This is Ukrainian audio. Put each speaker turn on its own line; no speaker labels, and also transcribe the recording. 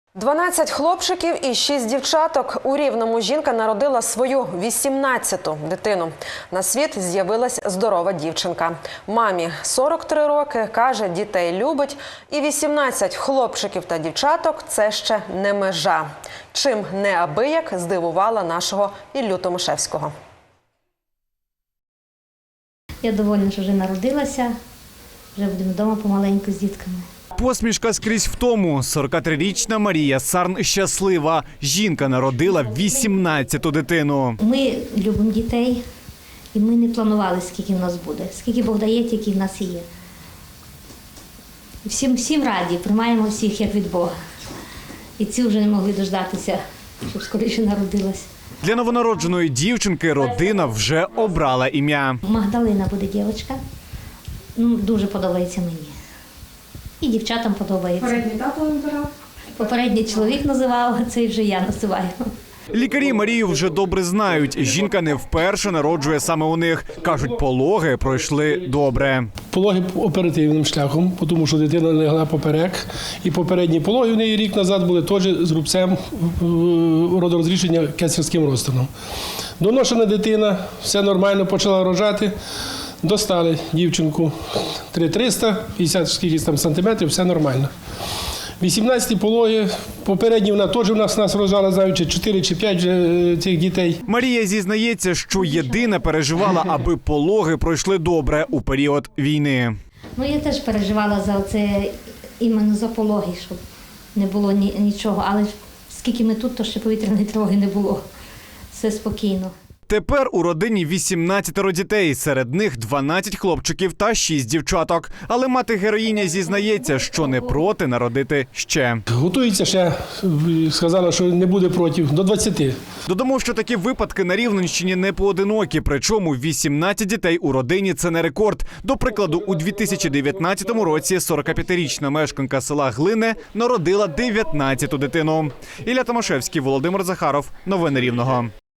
12 хлопчиків і 6 дівчаток. У Рівному жінка народила свою 18-ту дитину. На світ з'явилась здорова дівчинка. Мамі 43 роки, каже, дітей любить. І 18 хлопчиків та дівчаток – це ще не межа. Чим неабияк здивувала нашого Іллю Томашевського.
Я довольна, що вже народилася, вже будемо вдома помаленьку з дітками.
Посмішка скрізь в тому. 43-річна Марія Сарн щаслива. Жінка народила 18-ту дитину.
Ми любимо дітей, і ми не планували, скільки в нас буде. Скільки Бог дає, тільки в нас і є. Всім раді, приймаємо всіх, як від Бога. І ці вже не могли дождатися, щоб скоріше народилась.
Для новонародженої дівчинки родина вже обрала ім'я.
Магдалина буде дівчинка. Дуже подобається мені. І дівчатам подобається.
Попередній тато вибирав?
Попередній чоловік називав, а цей вже я називаю.
Лікарі Марію вже добре знають. Жінка не вперше народжує саме у них. Кажуть, пологи пройшли добре.
Пологи оперативним шляхом, тому що дитина легла поперек. І попередні пологи в неї рік назад були теж з рубцем родорозрішення кесарським розтином. Доношена дитина, все нормально, почала рожати. Достали дівчинку 3,300, 50 скільки там сантиметрів, все нормально. 18-ті пологи, попередні вона теж у нас рожала, знаючи 4 чи 5 вже цих дітей.
Марія зізнається, що єдина переживала, аби пологи пройшли добре у період війни.
Я теж переживала за це, іменно за пологи, щоб не було нічого. Але скільки ми тут, то ще повітряної тривоги не було. Все спокійно.
Тепер у родині 18 дітей, серед них 12 хлопчиків та 6 дівчаток. Але мати-героїня зізнається, що не проти народити ще.
Готується ще, сказала, що не буде проти, до 20.
Додамо, що такі випадки на Рівненщині не поодинокі, причому 18 дітей у родині – це не рекорд. До прикладу, у 2019 році 45-річна мешканка села Глине народила 19-ту дитину. Ілля Томашевський, Володимир Захаров. Новини Рівного.